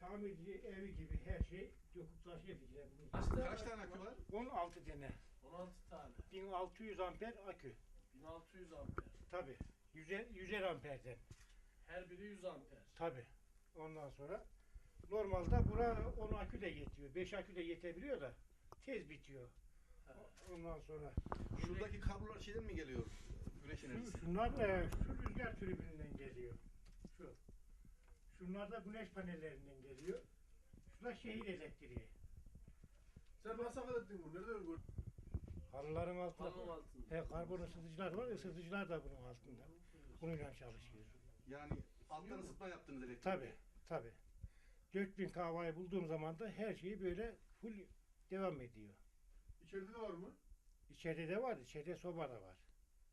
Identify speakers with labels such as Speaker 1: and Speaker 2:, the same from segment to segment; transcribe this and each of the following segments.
Speaker 1: tamirci evi gibi her şey döküp taşıyabilir.
Speaker 2: Kaç tane akü var?
Speaker 1: 16 tane.
Speaker 3: 16 tane.
Speaker 1: 1600 amper akü.
Speaker 3: 1600 amper.
Speaker 1: Tabi. 100'er amperden.
Speaker 3: Her biri 100 amper.
Speaker 1: Tabi. Ondan sonra normalde bura 10 akü de yetiyor. 5 akü de yetebiliyor da tez bitiyor. Ondan sonra
Speaker 2: Şuradaki kablolar şeyden mi geliyor? Güneş enerjisi.
Speaker 1: şunlar şu rüzgar türbininden geliyor. Şu. Şunlar da güneş panellerinden geliyor. Şu da şehir elektriği.
Speaker 4: Sen nasıl hallettin bunu? Nereden gördün?
Speaker 1: Halıların altında.
Speaker 3: Halının altında.
Speaker 1: Karbon ısıtıcılar var. Isıtıcılar da bunun altında. Bununla çalışıyor.
Speaker 2: Yani alttan ısıtma yaptınız elektrik.
Speaker 1: Tabi. 4000 kW'yi bulduğum zaman da her şeyi böyle full devam ediyor.
Speaker 4: İçeride de var mı?
Speaker 1: İçeride de var. İçeride soba da var.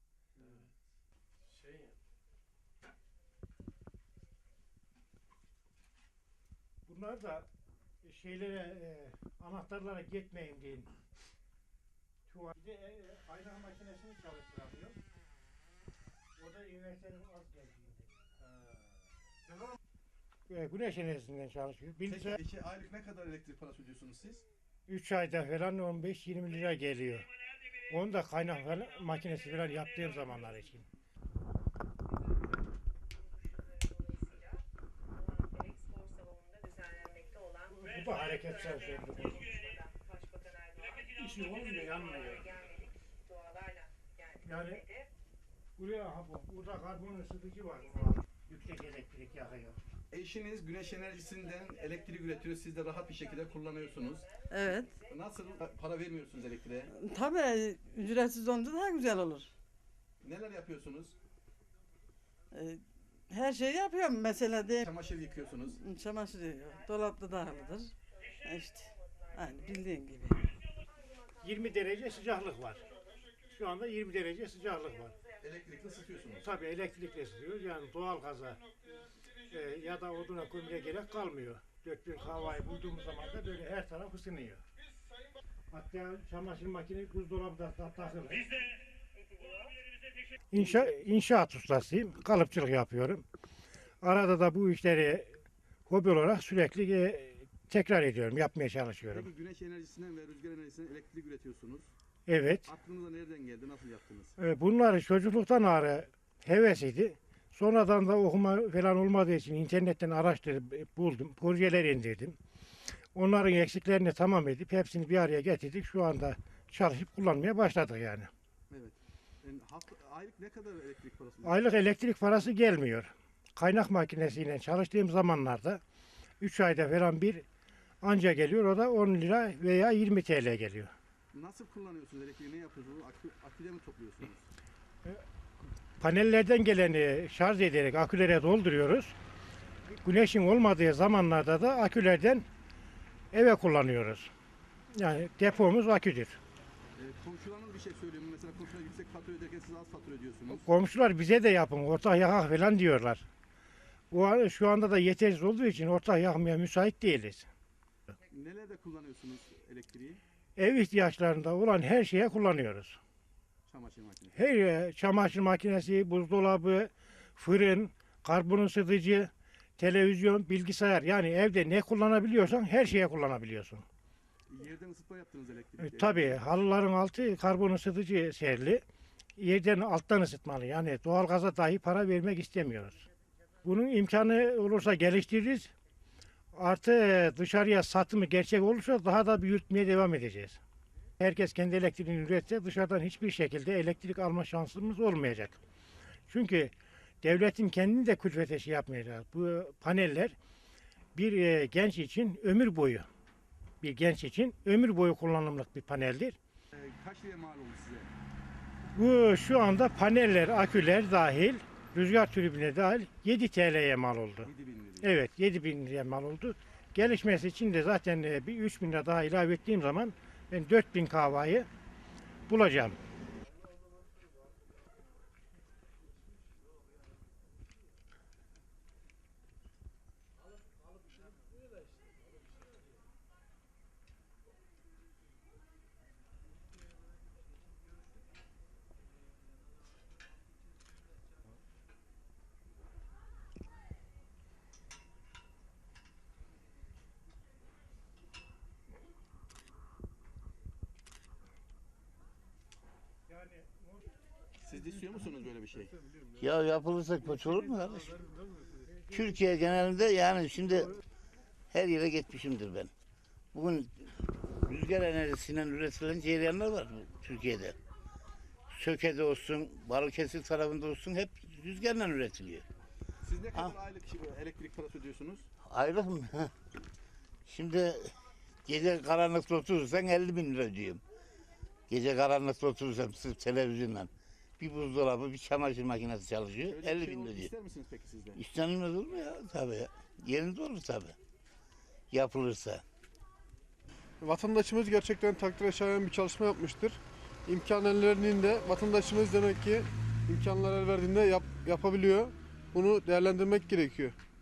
Speaker 3: Şey,
Speaker 1: Bunlar da anahtarlara gitmeyin diye. Tuvalde kaynak makinesini çalıştıramıyor. O da inverterin az geldiğinde. Güneş enerjisinden çalışıyor.
Speaker 2: Peki aylık ne kadar elektrik parası ödüyorsunuz siz?
Speaker 1: 3 ayda falan 15-20 lira geliyor. Onu da kaynak falan, makinesi falan yaptığım zamanlar için. Bu da hareket sensörü. İşi olmuyor, yanmıyor. Yani burada karbon ısıtıcı var. Yüksek elektrik yakıyor.
Speaker 2: Eşiniz güneş enerjisinden elektrik üretiyor. Siz de rahat bir şekilde kullanıyorsunuz.
Speaker 5: Evet.
Speaker 2: Nasıl para vermiyorsunuz elektriğe?
Speaker 5: Tabii ücretsiz olunca daha güzel olur.
Speaker 2: Neler yapıyorsunuz?
Speaker 5: Her şeyi yapıyorum mesela de
Speaker 2: Çamaşır yıkıyorsunuz.
Speaker 5: çamaşır yıkıyor. Dolapta dahilidir. İşte aynı bildiğin gibi.
Speaker 1: 20 derece sıcaklık var. Şu anda 20 derece sıcaklık var.
Speaker 2: Elektrikli ısıtıyorsunuz.
Speaker 1: Tabii elektrikle ısıtıyoruz. Yani doğal gaza ya da oduna kömüre gerek kalmıyor. 4000 kW'yi bulduğumuz zaman da böyle her taraf ısınıyor. Hatta çamaşır makinesi buzdolabı da takılır. İnşaat ustasıyım. Kalıpçılık yapıyorum. Arada da bu işleri hobi olarak sürekli tekrar ediyorum. Yapmaya çalışıyorum.
Speaker 2: Peki güneş enerjisinden ve rüzgar enerjisinden elektrik üretiyorsunuz.
Speaker 1: Evet.
Speaker 2: Aklınıza nereden geldi? Nasıl yaptınız?
Speaker 1: Bunları çocukluktan ağrı hevesiydi. Sonradan da okuma falan olmadığı için internetten araştırıp buldum. Projeler indirdim. Onların eksiklerini tamam edip hepsini bir araya getirdik. Şu anda çalışıp kullanmaya başladık yani.
Speaker 2: Evet. Yani aylık ne kadar elektrik parası?
Speaker 1: Aylık elektrik parası gelmiyor. Kaynak makinesiyle çalıştığım zamanlarda 3 ayda falan bir anca geliyor. O da 10 lira veya 20 TL geliyor.
Speaker 2: Nasıl kullanıyorsunuz elektriği? Ne yapıyorsunuz? Aküde mi topluyorsunuz?
Speaker 1: Panellerden geleni şarj ederek akülere dolduruyoruz. Güneşin olmadığı zamanlarda da akülerden eve kullanıyoruz. Yani depomuz aküdür.
Speaker 2: Komşularınız bir şey söylüyor mu? Mesela komşular yüksek fatura öderken siz az fatura ödüyorsunuz.
Speaker 1: Komşular bize de yapın, ortak yakak falan diyorlar. Şu anda da yetersiz olduğu için ortak yakmaya müsait değiliz.
Speaker 2: Nelerde kullanıyorsunuz elektriği?
Speaker 1: Ev ihtiyaçlarında olan her şeye kullanıyoruz.
Speaker 2: Çamaşır makinesi.
Speaker 1: Her çamaşır makinesi, buzdolabı, fırın, karbon ısıtıcı, televizyon, bilgisayar, yani evde ne kullanabiliyorsan her şeye kullanabiliyorsun.
Speaker 2: Yerden ısıtma yaptınız elektriği.
Speaker 1: Tabii halıların altı karbon ısıtıcı serili. Yerden alttan ısıtmalı. Yani doğalgaza dahi para vermek istemiyoruz. Bunun imkanı olursa geliştiririz. Artı dışarıya satımı gerçek olursa daha da büyütmeye devam edeceğiz. Herkes kendi elektriğini üretse dışarıdan hiçbir şekilde elektrik alma şansımız olmayacak. Çünkü devletin kendini de külfete şey yapmayacak. Bu paneller bir genç için ömür boyu, bir genç için ömür boyu kullanımlık bir paneldir.
Speaker 2: Kaç liraya mal oldu size?
Speaker 1: Bu şu anda paneller, aküler dahil, rüzgar türbine dahil 7 TL'ye mal oldu.
Speaker 2: 7.000 liraya.
Speaker 1: Evet, 7.000 liraya mal oldu. Gelişmesi için de zaten bir 3.000 lira daha ilave ettiğim zaman ben 4.000 kW'yı bulacağım.
Speaker 2: Siz de istiyor musunuz böyle bir şey?
Speaker 6: Ya yapılırsa kötü olur mu kardeşim? Türkiye genelinde yani şimdi her yere gitmişimdir ben. Bugün rüzgar enerjisinden üretilen cereyanlar var Türkiye'de. Söke'de olsun, Balıkesir tarafında olsun hep rüzgarla üretiliyor.
Speaker 2: Siz ne kadar aylık elektrik parası ödüyorsunuz?
Speaker 6: Ayrı mı? Şimdi gece karanlıkta oturursan 50 bin lira diyorum. Gece karanlıkta oturursam sırf televizyonla bir buzdolabı, bir çamaşır makinesi çalışıyor.
Speaker 2: Öyle bir
Speaker 6: 50
Speaker 2: şey
Speaker 6: bin lira diyor.
Speaker 2: ister misiniz peki siz de?
Speaker 6: İstenilmez olur mu ya? Tabii ya. Yerinde olur tabii. Yapılırsa.
Speaker 4: Vatandaşımız gerçekten takdire şayan bir çalışma yapmıştır. İmkan ellerinde vatandaşımız demek ki imkanlar el verdiğinde yapabiliyor. Bunu değerlendirmek gerekiyor.